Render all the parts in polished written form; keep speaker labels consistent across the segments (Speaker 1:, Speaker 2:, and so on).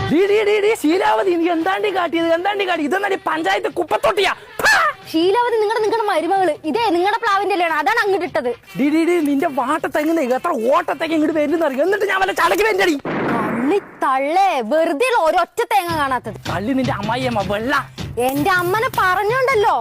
Speaker 1: ശീലാവതി നീ എന്താണ്ടി കാട്ടിയത് ഇതെന്നാ പഞ്ചായത്ത് കുപ്പത്തൊട്ടിയാ.
Speaker 2: ശീലാവതി നിങ്ങളുടെ മരുമകള് ഇതേ നിങ്ങളുടെ പ്ലാവിന്റെ അല്ലാണ്, അതാണ് അങ്ങോട്ട് ഇട്ടത്.
Speaker 1: നിന്റെ വാട്ടത്തെങ്ങനെ എത്ര ഓട്ടത്തേക്ക് ഇങ്ങോട്ട് വരുന്നറിയാം. എന്നിട്ട് ഞാൻ വല്ല ചടക്ക് വേണ്ടി
Speaker 2: തള്ളേ വെറുതെ ഒരൊറ്റ തേങ്ങ കാണാത്തത്.
Speaker 1: തള്ളി നിന്റെ അമ്മായിയമ്മ വെള്ള
Speaker 2: എന്റെ അമ്മനെ പറഞ്ഞോണ്ടല്ലോ.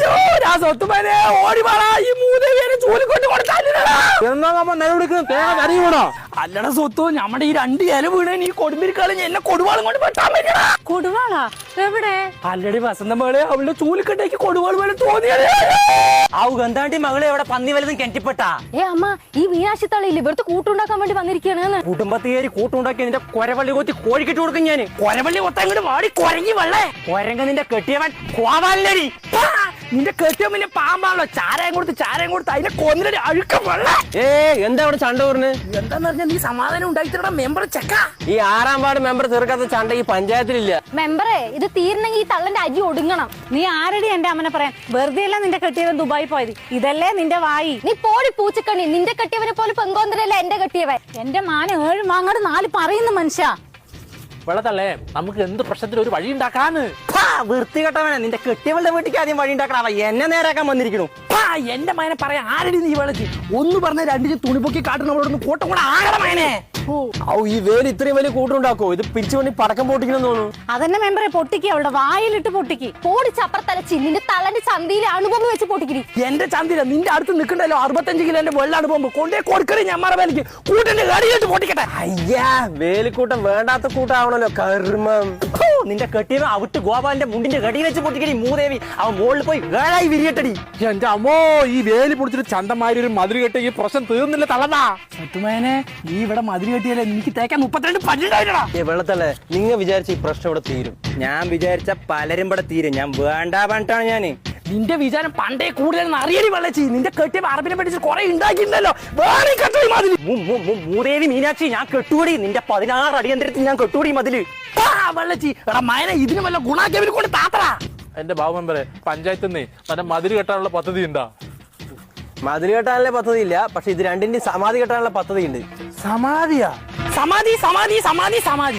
Speaker 1: അല്ലട സ്വത്തു നമ്മുടെ ഈ 2 ഇല വീണ് നീ കൊടുമ്പിരിക്കാളും എന്നെ കൊടുവാളും കൊണ്ട് പെട്ടാൻ പറ്റണ.
Speaker 2: കൊടുവാളാ എവിടെ?
Speaker 1: അല്ലടി വസന്തമകളെ അവളുടെ ചൂലിക്കട്ടേക്ക് കൊടുവാൾ പോലെ തോന്നിയത്.
Speaker 3: ഗന്ധാണ്ടി മകളെ എവിടെ പന്നി വലുതും കിണറ്റിപ്പെട്ടാ.
Speaker 2: അമ്മ ഈ മീനാശി തള്ളിയില്ല ഇവിടുത്തെ കൂട്ടുണ്ടാക്കാൻ വേണ്ടി വന്നിരിക്കുകയാണ്.
Speaker 3: കുടുംബത്തേരി കൂട്ടുണ്ടാക്കി നിന്റെ കൊരവള്ളി കൊത്തി കോഴിക്കിട്ട് കൊടുക്കും ഞാന്.
Speaker 1: കൊരവള്ളി കൊത്തങ്ങോട്ട് വാടി കൊരങ്ങി വെള്ളേ.
Speaker 3: കൊരങ്ങ നിന്റെ കെട്ടിയവൻ കോവാലടി.
Speaker 1: നിന്റെ കെട്ടിയവൻ പിന്നെ പാമ്പാണല്ലോ. ചാരായം കൊടുത്ത് അതിനെ കൊന്നിട്ട് അഴുക്കം വെള്ള.
Speaker 3: എന്താ അവിടെ ചണ്ട പറഞ്ഞ്?
Speaker 1: എന്താന്ന് പറഞ്ഞാൽ നീ സമാധാനം ഉണ്ടാക്കിത്തരടാ മെമ്പർ ചെക്ക.
Speaker 3: ഈ 6ാം വാർഡ് മെമ്പർ തീർക്കാത്ത ചണ്ട ഈ പഞ്ചായത്തിലില്ല.
Speaker 2: മെമ്പറേ ഇത് തീർന്നെങ്കിൽ ഈ തള്ളന്റെ അരി ഒടുങ്ങണം.
Speaker 4: നീ ആരടി എന്റെ അമ്മനെ പറയാൻ? വെറുതെ അല്ല നിന്റെ കെട്ടിയവൻ ദുബായി പോയത്. ഇതല്ലേ നിന്റെ വായി.
Speaker 2: നീ പോടി പൂച്ചക്കണ്ണി. നിന്റെ കെട്ടിയവനെ പോലെ പെങ്കോന്തരല്ല എന്റെ കെട്ടിയവൻ.
Speaker 4: എന്റെ മാന 7 മാങ്ങാട് 4 പറയുന്നു മനുഷ്യ.
Speaker 1: വെള്ളത്തള്ളേ നമുക്ക് എന്ത് പ്രശ്നത്തിലും ഒരു വഴി ഉണ്ടാക്കാന്ന്.
Speaker 3: വൃത്തികെട്ടവനെ നിന്റെ കെട്ടിയവളുടെ വീട്ടിലേക്ക് ആദ്യം വഴി ഉണ്ടാക്കണം. എന്നെ നേരാക്കാൻ വന്നിരിക്കണു.
Speaker 1: എന്റെ മകനെ പറയാൻ ആരടി നീ വിളച്ച് ഒന്ന് പറഞ്ഞ 2 തുണിപ്പൊക്കി കാട്ടുന്ന കോട്ടം കൂടെ ആകണ മകനെ.
Speaker 3: ഈ വേല് ഇത്രയും വലിയ കൂട്ടുണ്ടാക്കോ? ഇത് പിരിച്ചു വേണ്ടി പടക്കം പൊട്ടിക്കണം തോന്നുന്നു.
Speaker 4: അതന്നെ മെമ്പറെ പൊട്ടിക്ക്, അവളുടെ വായിലിട്ട് പൊട്ടിക്ക്.
Speaker 2: പോടിച്ചപ്പുറത്തലച്ചി നിന്റെ തള്ളന്റെ ചന്തിയിൽ അണുബോംബ് വെച്ച് പൊട്ടിക്കിരി.
Speaker 1: എന്റെ ചന്തിര നിന്റെ അടുത്ത് നിൽക്കണ്ടല്ലോ 65 കിലോ എന്റെ വെള്ള അണുബോംബ് കൊണ്ടേ കൊടുക്കണേ. ഞമ്മറ വേലക്ക് കൂട്ടിന്റെ കടിയിട്ട് പൊട്ടിക്കട്ടെ.
Speaker 3: അയ്യാ വേലിക്കൂട്ടം വേണ്ടാത്ത കൂട്ടാവണല്ലോ കർമ്മം. നിന്റെ കെട്ടിയവൻ അവിട്ട് ഗോപാലിന്റെ മുണ്ടിന്റെ കടി വെച്ച് പൊട്ടിക്കടി. മൂദേവി അവൻ മുകളിൽ പോയി വേളായി വിരിയട്ടടി.
Speaker 5: എന്റെ അമ്മോ ഈ വേലി പൊടിച്ചിട്ട് ചന്തമാരി ഒരു മതിൽ കെട്ടി ഈ പ്രശ്നം തീർന്നില്ല തളന്നാ.
Speaker 1: സത്തുമേനെ നീ ഇവിടെ മതിൽ കെട്ടിയല്ലേ എനിക്ക് തേക്കാൻ 32 പല്ലുണ്ടായിട്ടാ.
Speaker 3: വെള്ളത്തല്ലേ നിങ്ങൾ വിചാരിച്ച ഈ പ്രശ്നം ഇവിടെ തീരും. ഞാൻ വിചാരിച്ച പലരും ഇവിടെ തീരും. ഞാൻ വേണ്ട പറഞ്ഞിട്ടാണ് ഞാന്.
Speaker 1: നിന്റെ വിചാരം പണ്ടേ കൂടുതൽ അറിയടി വെള്ളച്ചി. നിന്റെ കെട്ടിയ അറബിനെ പഠിച്ച് കുറെ ഉണ്ടാക്കിയിട്ടുണ്ടല്ലോ. വേറെ കെട്ടി മതില്.
Speaker 3: മൂദേവി മീനാക്ഷി ഞാൻ കെട്ടുകൂടി. നിന്റെ 16 അടിയന്തരത്തിൽ ഞാൻ കെട്ടുകൂടി മതില്.
Speaker 1: വെള്ളച്ചി എടാ മയനെ ഇതിന് വല്ല ഗുണാക്കിയവര് കൊണ്ട് താത്തടാ.
Speaker 5: എന്റെ ബാബു മെമ്പറെ പഞ്ചായത്തിൽ നിന്ന് മറ്റേ മതിൽ കെട്ടാനുള്ള പദ്ധതി ഉണ്ടാ?
Speaker 3: മതിൽ കെട്ടാനുള്ള പദ്ധതി ഇല്ല, പക്ഷെ ഇത് രണ്ടിന്റെയും സമാധി കെട്ടാനുള്ള പദ്ധതി ഉണ്ട്.
Speaker 1: സമാധിയാ? സമാധി.